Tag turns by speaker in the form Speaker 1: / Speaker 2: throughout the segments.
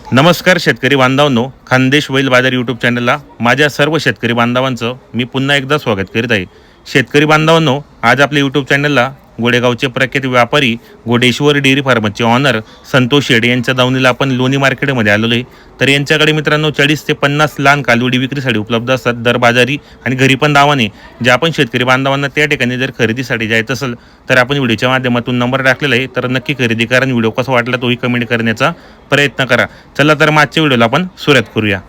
Speaker 1: नमस्कार शेतकरी बांधवांनो, खानदेश बैल बाजार यूट्यूब चॅनलला माझ्या सर्व शेतकरी बांधवांचं मी पुन्हा एकदा स्वागत करीत आहे. शेतकरी बांधवांनो, आज आपल्या यूट्यूब चॅनलला गोडेगावचे प्रख्यात व्यापारी गोडेश्वर डेअरी फार्मचे ऑनर संतोष शेडे यांच्या दावणीला आपण लोणी मार्केटमध्ये आलेलो आहे. तर यांच्याकडे मित्रांनो 40 ते 50 लहान कालवडी विक्रीसाठी उपलब्ध असतात दर बाजारी आणि घरी पण दावाने. जे आपण शेतकरी बांधवांना त्या ठिकाणी जर खरेदीसाठी जायचं असेल तर आपण व्हिडिओच्या माध्यमातून नंबर टाकलेला आहे, तर नक्की खरेदी करा आणि व्हिडिओ कसा वाटला तोही कमेंट करण्याचा प्रयत्न करा. चला तर मागच्या व्हिडिओला आपण सुरुवात करूया.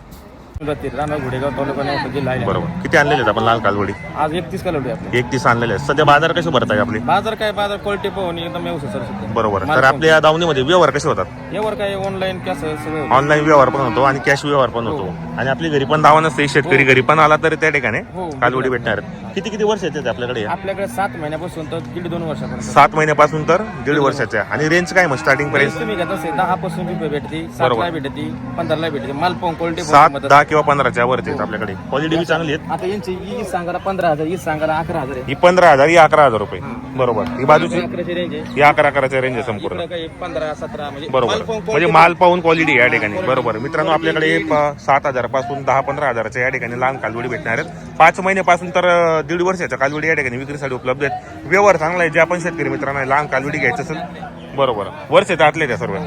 Speaker 1: बरोबर, किती आणलेले आहेत आपण लाल कालवडी?
Speaker 2: आज 31 कालवडी आपली
Speaker 1: 31 आणलेले आहेत. सध्या बाजार कसे भरत आहे आपले?
Speaker 2: बाजार क्वालिटी पाहून एकदम व्यवस्थित सर.
Speaker 1: बरोबर, तर आपल्या या दावणीमध्ये व्यवहार कसे होतात?
Speaker 2: यावर काय ऑनलाईन कॅश सगळं
Speaker 1: ऑनलाईन व्यवहार पण होतो आणि कॅश व्यवहार पण होतो. आणि आपली घरी पण दावा नसते, शेतकरी घरी पण आला तर त्या ठिकाणी कालवडी भेटणार. किती किती वर्ष येते आपल्याकडे?
Speaker 2: आपल्याकडे 7 महिन्यापासून तर 1.5-2 वर्षापर्यंत.
Speaker 1: 7 महिन्यापासून तर 1.5 वर्षाच्या. आणि रेंज काय मग स्टार्टिंग प्राइस?
Speaker 2: तुम्ही घेत असेल 10 पासून भेटते, 7 ला भेटते, 15 ला भेटते. माल पाहून क्वालिटी
Speaker 1: 7, 10 किंवा 15च्या वरती आपल्याकडे. क्वालिटी बी चांगली आहेत.
Speaker 2: आता यांची ही सांगायला 15,000, ही सांगायला 11,000 आहे.
Speaker 1: ही 15,000, ही 11,000 रुपये. बरोबर, ही बाजूची
Speaker 2: 11ची रेंज आहे.
Speaker 1: ही 11,000च्या रेंज आहे संपूर्ण.
Speaker 2: काही 15-17 म्हणजे
Speaker 1: बरोबर, म्हणजे माल पाहून क्वालिटी या ठिकाणी. बरोबर मित्रांनो, आपल्याकडे 7,000 पासून 10-15,000च्या या ठिकाणी लहान कालवडी भेटणार आहेत. 5 महिन्यापासून तर 1.5 वर्षाच्या कालवडी या ठिकाणी विक्रीसाठी उपलब्ध आहेत. व्यवहार चांगला आहे. जे आपण शेतकरी मित्रांना लहान कालवडी घ्यायचं असेल, बरोबर वर्षात आतले त्या सर्व.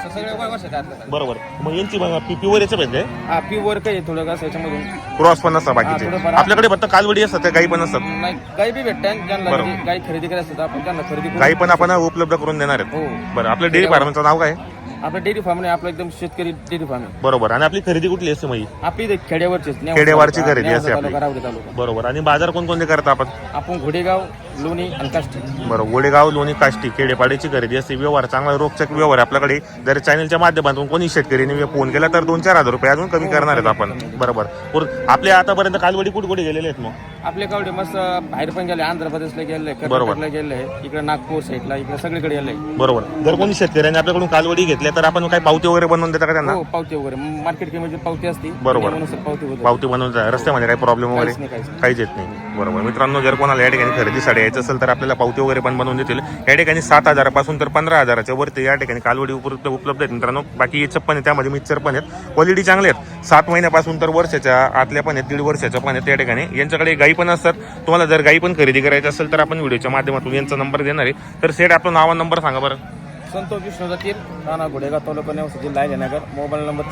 Speaker 1: बरोबर, मग यांची प्युअर याचं पाहिजे.
Speaker 2: हा प्युअर काही थोडं कसं याच्यामधून
Speaker 1: क्रॉस पण असतात बाकीचे. आपल्याकडे फक्त कालवडी असतात, त्या गाई पण असतात.
Speaker 2: नाही, गाई बी भेटतात ज्यांना गाई खरेदी करायचं तर आपण त्यांना खरेदी
Speaker 1: गाई पण आपण उपलब्ध करून देणार आहेत. बरं, आपलं डेअरी फार्मचं नाव काय?
Speaker 2: आपलं डेअरी फार्म नाही, आपलं एकदम शेतकरी डेअरी फार्म आहे.
Speaker 1: बरोबर, आणि आपली खरेदी कुठली असते मग?
Speaker 2: आपली इथे खेड्यावरची
Speaker 1: खेड्यावरची खरेदी असते आपली.
Speaker 2: तालुका.
Speaker 1: बरोबर, आणि बाजार कोणकोणते करता आपण?
Speaker 2: आपण घोडेगाव, लोणी आणि काष्टी.
Speaker 1: बरोबर, गोडेगाव, लोणी, काष्टी, खेडेपाड्याची खरेदी असते. व्यवहार चांगला रोखचक व्यवहार आपल्याकडे. जर चॅनलच्या माध्यमातून कोणी शेतकरीने फोन केला तर 2-4 हजार रुपये अजून कमी करणार आहेत आपण. बरोबर, आपल्या आतापर्यंत कालवडी कुठे गेलेले आहेत मग?
Speaker 2: आपले कावडे मस्त बाहेर पण गेले, आंध्र प्रदेशला गेले, कर्नाटकला गेले, इकडे नागपूर साईडला, इकडे सगळीकडे गेले.
Speaker 1: बरोबर, जर कोणी शेतकऱ्यांनी आपल्याकडून कालवडी घेतल्या तर आपण काही पावती वगैरे बनवून देता का त्यांना?
Speaker 2: हो, पावती वगैरे मार्केट किंमत पावती असते.
Speaker 1: बरोबर, पावती बनवून रस्त्यामध्ये काही प्रॉब्लेम वगैरे काहीच येत नाही. बरोबर मित्रांनो, जर कोणाला या ठिकाणी खरेदीसाठी यायचं असेल तर आपल्याला पावती वगैरे पण बनवून देतील. या ठिकाणी 7,000 पासून तर 15,000च्या वरती या ठिकाणी कालवडी उपलब्ध आहेत मित्रांनो. बाकी याचं पण आहे, त्यामध्ये मिक्सर पण आहेत. क्वालिटी चांगले आहेत. 7 महिन्यापासून तर वर्षाच्या आतल्या पण आहेत, 1.5 वर्षाच्या पण आहेत. त्या ठिकाणी यांच्याकडे गाई पण असतात. तुम्हाला जर गाई पण खरेदी करायची असेल तर आपण व्हिडिओच्या माध्यमातून यांचा नंबर देणार आहे. तर सेट आपलं नाव नंबर सांगा बरं.
Speaker 2: संतोष विष्णू जातील, राणा घोडेगाव, तालुका नेवासा, जिल्हा नगर. मोबाईल नंबर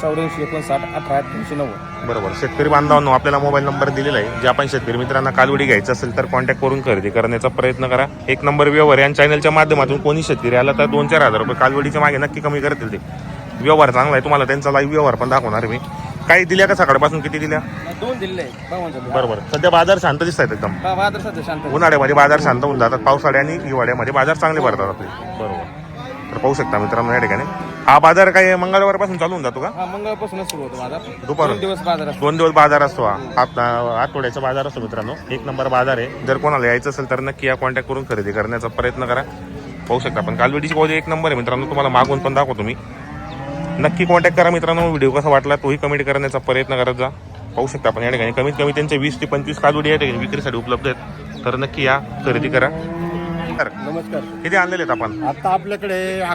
Speaker 2: 8459
Speaker 1: बरोबर, शेतकरी बांधवांनो आपल्याला मोबाईल नंबर दिलेला आहे. जे आपण शेतकरी मित्रांना कालवडी घ्यायचं असेल तर कॉन्टॅक्ट करून खरेदी करण्याचा प्रयत्न करा. 1 नंबर व्यवहार या चॅनलच्या माध्यमातून कोणी शेतकरी आला तर 2-4 हजार रुपये कालवडीच्या मागे नक्की कमी करतील. ते व्यवहार चांगला आहे. तुम्हाला त्यांचा लाईव्ह व्यवहार पण दाखवणार मी. काही दिल्या का सकाळपासून? किती दिल्या?
Speaker 2: 2 दिले.
Speaker 1: बरोबर, सध्या बाजार शांत दिसत आहेत एकदम.
Speaker 2: बाजार सध्या शांत.
Speaker 1: उन्हाळ्यामध्ये बाजार शांत होऊन जातात, पावसाळ्या आणि हिवाळ्यामध्ये बाजार चांगले भरतात आपले. बरोबर, तर पाहू शकता मित्रांनो या ठिकाणी हा बाजार काय मंगळवारपासून चालू होऊन जातो का?
Speaker 2: हा, मंगळवारपासून सुरू होतो बाजार.
Speaker 1: दुपारून
Speaker 2: 2 दिवस बाजार असतो.
Speaker 1: 2 दिवस बाजार असतो. आठवड्याचा बाजार असतो मित्रांनो. 1 नंबर बाजार आहे. जर कोणाला यायचं असेल तर नक्की या कॉन्टॅक्ट करून खरेदी करण्याचा प्रयत्न करा. पाहू शकता आपण कालवडीची क्वालिटी 1 नंबर आहे मित्रांनो. तुम्हाला मागून पण दाखवतो मी. नक्की कॉन्टॅक्ट करा मित्रांनो. व्हिडिओ कसा वाटला तोही कमेंट करण्याचा प्रयत्न करत जा. पाहू शकता आपण या ठिकाणी कमीत कमी त्यांचे 20 ते 25 कालवडी या ठिकाणी विक्रीसाठी उपलब्ध आहेत. तर नक्की या खरेदी करा.
Speaker 2: नमस्कार.
Speaker 1: किती आणलेले आहेत आपण?
Speaker 3: आता आपल्याकडे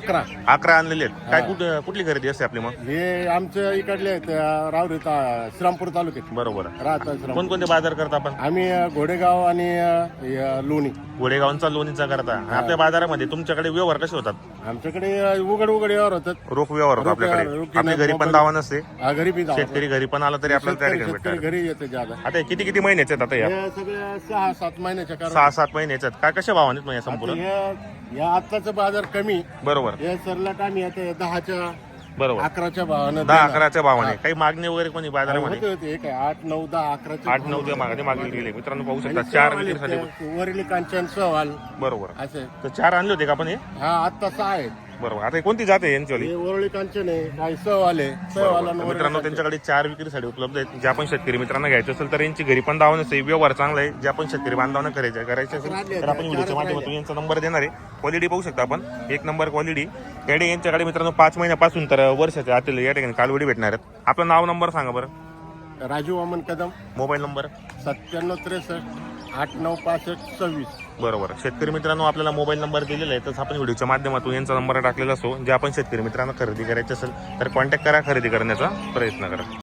Speaker 1: 11 आणलेले आहेत. काय कुठली खरेदी असते आपली मग?
Speaker 3: हे आमच्या इकडले आहेत, रावरी श्रीरामपूर तालुक्यात
Speaker 1: बरोबर.
Speaker 3: राहतात.
Speaker 1: कोणकोणते बाजार करता आपण?
Speaker 3: आम्ही घोडेगाव आणि लोणी.
Speaker 1: गोडेगावचा लोणीचा करता. आपल्या बाजारामध्ये तुमच्याकडे व्यवहार कसे होतात?
Speaker 3: आमच्याकडे उघड व्यवहार होतात.
Speaker 1: रोख व्यवहार होतो आपल्याकडे. आपल्या घरी पण दावा नसते.
Speaker 3: घरी बी
Speaker 1: शेतकरी घरी पण आला तरी आपल्याला त्या ठिकाणी भेटणार.
Speaker 3: घरी येते ज्यादा.
Speaker 1: आता किती किती महिन्याचे आहेत आता या?
Speaker 3: हे सगळे 6-7 महिन्याच्या
Speaker 1: 6-7 महिन्याचे आहेत. काय कशा भावाने मग या संपूर्ण?
Speaker 3: या आत्ताचा बाजार कमी.
Speaker 1: बरोबर,
Speaker 3: हे सरला आम्ही आता 10च्या
Speaker 1: बरोबर
Speaker 3: 11च्या भावानं
Speaker 1: 10-11च्या भावाने. काही मागणी वगैरे कोणी बाजारामध्ये?
Speaker 3: होते. 8, 9, 10, 11.
Speaker 1: 8-9 मागणी गेले मित्रांनो. पाहू शकता 4 विक्रीसाठी.
Speaker 3: वरील कांचन सवाल
Speaker 1: बरोबर,
Speaker 3: असे.
Speaker 1: तर 4 आणले होते का आपण हे?
Speaker 3: हा, आत्ता 6 आहेत.
Speaker 1: बरोबर, आता कोणती जाते यांच्यावाली?
Speaker 3: हे वरळी कांचन आहे, काही सहवाल आहे.
Speaker 1: मित्रांनो त्यांच्याकडे 4 विक्रीसाठी उपलब्ध आहेत. जे आपण शेतकरी मित्रांना घ्यायचं असेल तर यांची घरी पण दावा नसते. व्यवहार चांगला आहे. जे आपण शेतकरी बांधवांना करायचे असेल तर आपण व्हिडिओच्या माध्यमातून यांचा नंबर देणार आहे. क्वालिटी पाहू शकता आपण, 1 नंबर क्वालिटी. याडे यांच्याकडे मित्रांनो 5 महिन्यापासून तर वर्षाच्या आतील या ठिकाणी कालवडी भेटणार आहेत. आपलं नाव नंबर सांगा बरं.
Speaker 3: राजू वामन कदम.
Speaker 1: Mobile number
Speaker 3: 9763 896526.
Speaker 1: बरोबर. शेतकरी मित्रांनो, आपल्याला मोबाईल नंबर दिलेला आहे, तसं आपण व्हिडिओच्या माध्यमातून यांचा नंबर टाकलेला असो. जे आपण शेतकरी मित्रांना खरेदी करायची असेल तर कॉन्टॅक्ट करा, खरेदी करण्याचा प्रयत्न करा.